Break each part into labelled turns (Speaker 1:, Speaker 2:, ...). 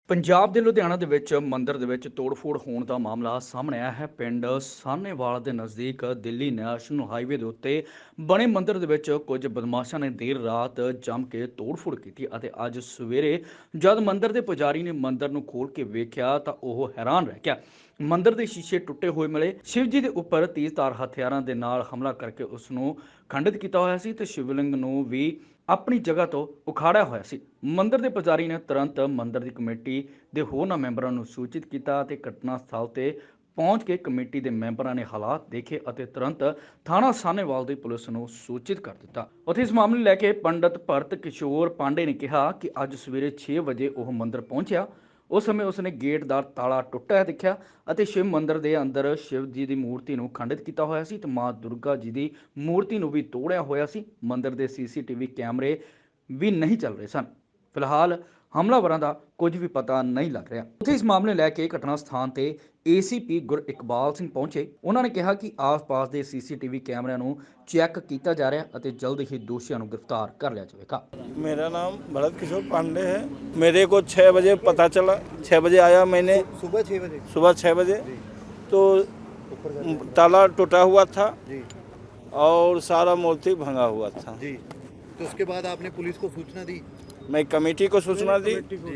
Speaker 1: ਪੰਜਾਬ ਦੇ ਲੁਧਿਆਣਾ ਦੇ ਵਿੱਚ ਮੰਦਿਰ ਦੇ ਵਿੱਚ ਤੋੜ-ਫੋੜ ਹੋਣ ਦਾ ਮਾਮਲਾ ਸਾਹਮਣੇ ਆਇਆ ਹੈ। ਪਿੰਡ ਸਾਹਨੇਵਾਲ ਦੇ ਨਜ਼ਦੀਕ ਦਿੱਲੀ ਨੈਸ਼ਨਲ ਹਾਈਵੇ ਦੇ ਉੱਤੇ ਬਣੇ ਮੰਦਿਰ ਦੇ ਵਿੱਚ ਕੁਝ ਬਦਮਾਸ਼ਾਂ ਨੇ ਦੇਰ ਰਾਤ ਜੰਮ ਕੇ ਤੋੜ-ਫੋੜ ਕੀਤੀ ਅਤੇ ਅੱਜ ਸਵੇਰੇ ਜਦ ਮੰਦਿਰ ਦੇ ਪੁਜਾਰੀ ਨੇ ਮੰਦਿਰ ਨੂੰ ਖੋਲ੍ਹ ਕੇ ਵੇਖਿਆ ਤਾਂ ਉਹ ਹੈਰਾਨ ਰਹਿ ਗਿਆ। ਮੰਦਿਰ ਦੇ ਸ਼ੀਸ਼ੇ ਟੁੱਟੇ ਹੋਏ ਮਿਲੇ। ਸ਼ਿਵ ਜੀ ਦੇ ਉੱਪਰ ਤੇਜ਼ਧਾਰ ਹਥਿਆਰਾਂ ਦੇ ਨਾਲ ਹਮਲਾ ਕਰਕੇ ਉਸ ਨੂੰ ਖੰਡਿਤ ਕੀਤਾ ਹੋਇਆ ਸੀ ਤੇ ਸ਼ਿਵਲਿੰਗ ਨੂੰ ਵੀ ਆਪਣੀ ਜਗ੍ਹਾ ਤੋਂ ਉਖਾੜਿਆ ਹੋਇਆ ਸੀ। ਮੰਦਿਰ ਦੇ ਪੁਜਾਰੀ ਨੇ ਤੁਰੰਤ ਮੰਦਿਰ ਦੀ ਕਮੇਟੀ ਦੇ ਹੋਰਨਾਂ ਮੈਂਬਰਾਂ ਨੂੰ ਸੂਚਿਤ ਕੀਤਾ ਅਤੇ ਘਟਨਾ ਸਥਲ ਤੇ ਪਹੁੰਚ ਕੇ ਕਮੇਟੀ ਦੇ ਮੈਂਬਰਾਂ ਨੇ ਹਾਲਾਤ ਦੇਖੇ ਅਤੇ ਤੁਰੰਤ ਥਾਣਾ ਸਾਹਨੇਵਾਲ ਦੀ ਪੁਲਿਸ ਨੂੰ ਸੂਚਿਤ ਕਰ ਦਿੱਤਾ। ਉੱਥੇ ਇਸ ਮਾਮਲੇ ਨੂੰ ਲੈ ਕੇ ਪੰਡਤ ਭਰਤ ਕਿਸ਼ੋਰ ਪਾਂਡੇ ਨੇ ਕਿਹਾ ਕਿ ਅੱਜ ਸਵੇਰੇ 6 ਵਜੇ ਉਹ ਮੰਦਿਰ ਪਹੁੰਚਿਆ। ਉਸ ਸਮੇਂ ਉਸਨੇ ਗੇਟ ਦਾ ਤਾਲਾ ਟੁੱਟਿਆ ਦੇਖਿਆ ਅਤੇ ਸ਼ਿਵ ਮੰਦਿਰ ਦੇ ਅੰਦਰ ਸ਼ਿਵ ਜੀ ਦੀ ਮੂਰਤੀ ਨੂੰ ਖੰਡਿਤ ਕੀਤਾ ਹੋਇਆ ਸੀ ਤੇ ਮਾਂ ਦੁਰਗਾ ਜੀ ਦੀ ਮੂਰਤੀ ਨੂੰ ਵੀ ਤੋੜਿਆ ਹੋਇਆ ਸੀ। ਮੰਦਿਰ ਦੇ ਸੀਸੀਟੀਵੀ ਕੈਮਰੇ ਵੀ ਨਹੀਂ ਚੱਲ ਰਹੇ ਸਨ। ਫਿਲਹਾਲ ਹਮਲਾਵਰਾਂ ਦਾ ਕੁਝ ਵੀ ਪਤਾ ਨਹੀਂ ਲੱਗ ਰਿਹਾ। ਉੱਥੇ ਇਸ ਮਾਮਲੇ ਲੈ ਕੇ ਘਟਨਾ ਸਥਾਨ ਤੇ ਏਸੀਪੀ ਗੁਰ ਇਕਬਾਲ ਸਿੰਘ ਪਹੁੰਚੇ। ਉਹਨਾਂ ਨੇ ਕਿਹਾ ਕਿ ਆਸ-ਪਾਸ ਦੇ ਸੀਸੀਟੀਵੀ ਕੈਮਰਿਆਂ ਨੂੰ ਚੈੱਕ ਕੀਤਾ ਜਾ ਰਿਹਾ ਅਤੇ ਜਲਦ ਹੀ ਦੋਸ਼ੀਆਂ ਨੂੰ गिरफ्तार कर लिया जाएगा।
Speaker 2: मेरा नाम भरत किशोर पांडे है। मेरे को 6 बजे पता चला, 6 बजे आया मैंने। सुबह 6 बजे तो ताला टूटा हुआ था
Speaker 3: जी
Speaker 2: और सारा मूर्ति भंगा हुआ था
Speaker 3: जी। तो उसके बाद आपने पुलिस को सूचना दी?
Speaker 2: मैं कमेटी को सूचना दी,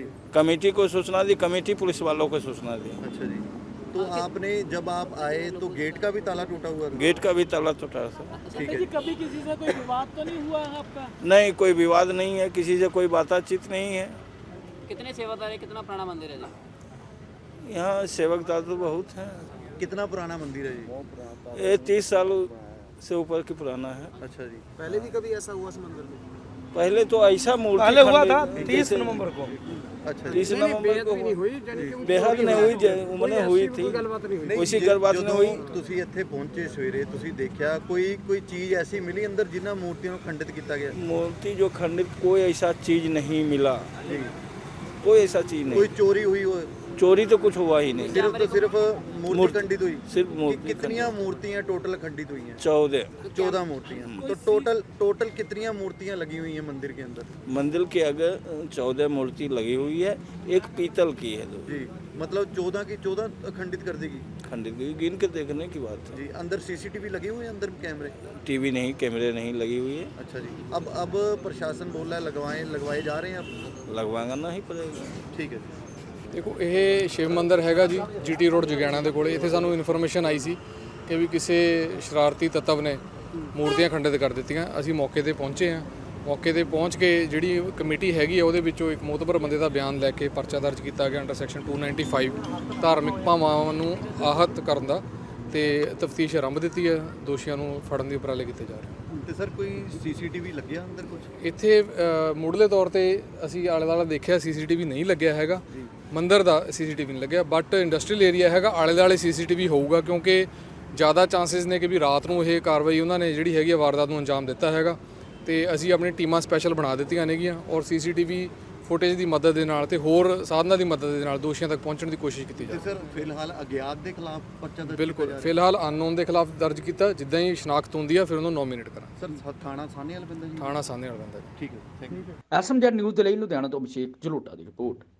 Speaker 2: कमेटी पुलिस वालों को सूचना दी।
Speaker 3: अच्छा जी। तो आपने जब आप आए तो गेट का भी ताला टूटा हुआ था?
Speaker 2: गेट का भी ताला टूटा था।
Speaker 3: ठीक है।
Speaker 4: जी, कभी किसी से कोई विवाद तो नहीं हुआ है आपका?
Speaker 2: नहीं, कोई विवाद नहीं है, किसी से कोई बातचीत नहीं है।
Speaker 4: कितने सेवादार है, कितना पुराना मंदिर है जी?
Speaker 2: यहाँ सेवकदार तो बहुत हैं।
Speaker 3: कितना पुराना मंदिर है जी?
Speaker 2: ये 30 साल से ऊपर की पुराना है।
Speaker 3: अच्छा जी।
Speaker 5: पहले भी कभी ऐसा हुआ इस मंदिर में?
Speaker 2: पहले तो ऐसा मूर्ति
Speaker 5: पहले हुआ था
Speaker 2: खंडित
Speaker 5: 30 नवंबर को।
Speaker 3: अच्छा जी।
Speaker 2: 30 नवंबर को
Speaker 5: नहीं हुई, यानी कि
Speaker 2: बेहद नहीं हुई, उन्होंने हुई थी।
Speaker 5: कोई गलबात नहीं हुई।
Speaker 3: ਨਹੀਂ,
Speaker 2: ਉਸੀ ਗੱਲਬਾਤ ਨੇ ਹੋਈ।
Speaker 3: ਤੁਸੀਂ ਇੱਥੇ ਪਹੁੰਚੇ ਸਵੇਰੇ, ਤੁਸੀਂ ਦੇਖਿਆ ਕੋਈ ਚੀਜ਼ ਐਸੀ ਮਿਲੀ ਅੰਦਰ ਜਿਨ੍ਹਾਂ ਮੂਰਤੀਆਂ ਨੂੰ ਖੰਡਿਤ ਕੀਤਾ ਗਿਆ?
Speaker 2: मूर्ति जो खंडित कोई ऐसा चीज नहीं मिला,
Speaker 3: जी।
Speaker 2: कोई ऐसा चीज
Speaker 3: कोई
Speaker 2: नहीं।
Speaker 3: चोरी हुई हो?
Speaker 2: चोरी तो कुछ हुआ ही नहीं।
Speaker 3: सिर्फ मूर्ति खंडित हुई?
Speaker 2: सिर्फ मूर्ति
Speaker 3: कितनियां मूर्तियां टोटल खंडित हुई हैं?
Speaker 2: 14
Speaker 3: मूर्तियां। तो टोटल कितनियां मूर्तियां लगी हुई हैं मंदिर के अंदर?
Speaker 2: मंदिर के आगे 14 मूर्ति लगी हुई है, एक पीतल की है दो।
Speaker 3: जी, मतलब 14 की 14 खंडित कर देगी?
Speaker 2: खंडित की गिन के देखने की बात है।
Speaker 3: जी। अंदर सीसीटीवी लगे हुए हैं, अंदर कैमरे?
Speaker 2: टीवी नहीं, कैमरे नहीं लगी हुई है।
Speaker 3: अच्छा जी। अब प्रशासन बोल रहा है लगवाए जा रहे हैं अब?
Speaker 2: लगवाना नहीं पड़ेगा।
Speaker 3: ठीक है जी।
Speaker 6: ਦੇਖੋ ਇਹ ਸ਼ਿਵ ਮੰਦਿਰ ਹੈਗਾ ਜੀ, ਜੀਟੀ ਰੋਡ ਜਗਿਆਣਾ ਦੇ ਕੋਲੇ। ਇੱਥੇ ਸਾਨੂੰ ਇਨਫੋਰਮੇਸ਼ਨ ਆਈ ਸੀ ਕਿ ਵੀ ਕਿਸੇ ਸ਼ਰਾਰਤੀ ਤੱਤਵ ਨੇ ਮੂਰਤੀਆਂ ਖੰਡਿਤ ਕਰ ਦਿੱਤੀਆਂ। ਅਸੀਂ ਮੌਕੇ ਤੇ ਪਹੁੰਚੇ ਹਾਂ। ਮੌਕੇ ਤੇ ਪਹੁੰਚ ਕੇ ਜਿਹੜੀ ਕਮੇਟੀ ਹੈਗੀ ਆ ਉਹਦੇ ਵਿੱਚੋਂ ਇੱਕ ਮੋਤਬਰ ਬੰਦੇ ਦਾ ਬਿਆਨ ਲੈ ਕੇ ਪਰਚਾ ਦਰਜ ਕੀਤਾ ਗਿਆ ਅੰਡਰ ਸੈਕਸ਼ਨ 295 ਧਾਰਮਿਕ ਭਾਵਾਂ ਨੂੰ ਆਹਤ ਕਰਨ ਦਾ, ਤੇ ਤਫਤੀਸ਼ ਆਰੰਭ ਦਿੱਤੀ ਹੈ। ਦੋਸ਼ੀਆਂ ਨੂੰ ਫੜਨ ਦੇ ਉਪਰਾਲੇ ਕੀਤੇ ਜਾ ਰਹੇ ਹਨ।
Speaker 3: ਤੇ ਸਰ ਕੋਈ ਸੀਸੀਟੀਵੀ ਲੱਗਿਆ ਅੰਦਰ ਕੁਝ?
Speaker 6: ਇੱਥੇ ਮੁੱਢਲੇ ਤੌਰ ਤੇ ਅਸੀਂ ਆਲੇ ਦੁਆਲੇ ਦੇਖਿਆ, ਸੀਸੀਟੀਵੀ ਨਹੀਂ ਲੱਗਿਆ ਹੈਗਾ। ਮੰਦਿਰ ਦਾ ਸੀਸੀਟੀਵੀ ਨਹੀਂ ਲੱਗਿਆ, ਬਟ ਇੰਡਸਟਰੀਅਲ ਏਰੀਆ ਹੈਗਾ, ਆਲੇ ਦੁਆਲੇ ਸੀਸੀਟੀਵੀ ਹੋਊਗਾ ਕਿਉਂਕਿ ਜ਼ਿਆਦਾ ਚਾਂਸਸ ਨੇ ਕਿ ਵੀ ਰਾਤ ਨੂੰ ਇਹ ਕਾਰਵਾਈ ਉਹਨਾਂ ਨੇ ਜਿਹੜੀ ਹੈਗੀ ਆ ਵਾਰਦਾਤ ਨੂੰ ਅੰਜਾਮ ਦਿੱਤਾ ਹੈਗਾ। ਤੇ ਅਸੀਂ ਆਪਣੀ ਟੀਮਾਂ ਸਪੈਸ਼ਲ ਬਣਾ ਦਿੱਤੀਆਂ ਨੇਗੀਆਂ ਔਰ ਸੀਸੀਟੀਵੀ ਫੁਟੇਜ ਦੀ ਮਦਦ ਦੇ ਨਾਲ ਤੇ ਹੋਰ ਸਾਧਨਾਂ ਦੀ ਮਦਦ ਦੇ ਨਾਲ ਦੋਸ਼ੀਆਂ ਤੱਕ ਪਹੁੰਚਣ ਦੀ ਕੋਸ਼ਿਸ਼ ਕੀਤੀ
Speaker 3: ਤੇ
Speaker 6: ਜਾਵੇ।
Speaker 3: ਸਰ ਫਿਲਹਾਲ ਅਗਿਆਤ ਦੇ ਖਿਲਾਫ ਪਰਚਾ ਦਰਜ
Speaker 6: ਬਿਲਕੁਲ,
Speaker 3: ਕੀਤਾ ਜਾ
Speaker 6: ਫਿਲਹਾਲ ਅਨਨੋਨ ਦੇ ਖਿਲਾਫ ਦਰਜ ਕੀਤਾ। ਜਿੱਦਾਂ ਹੀ ਸ਼ਨਾਖਤ ਹੁੰਦੀ ਆ ਫਿਰ ਉਹਨੂੰ ਨੋਮੀਨੇਟ ਕਰਾਂ।
Speaker 3: ਸਰ ਥਾਣਾ ਸਾਹਨੇਵਾਲ ਪੈਂਦਾ ਜੀ?
Speaker 6: ਥਾਣਾ ਸਾਹਮਣੇ ਵਾਲਾ ਬੰਦਾ।
Speaker 3: ਠੀਕ ਹੈ, ਥੈਂਕ ਯੂ।
Speaker 1: ਐਸਐਮਜੈਡ ਨਿਊਜ਼ ਦੇ ਲਈ ਲੁਧਿਆਣਾ ਤੋਂ ਅਭਿਸ਼ੇਕ ਜਲੋਟਾ ਦੀ ਰਿਪੋਰਟ।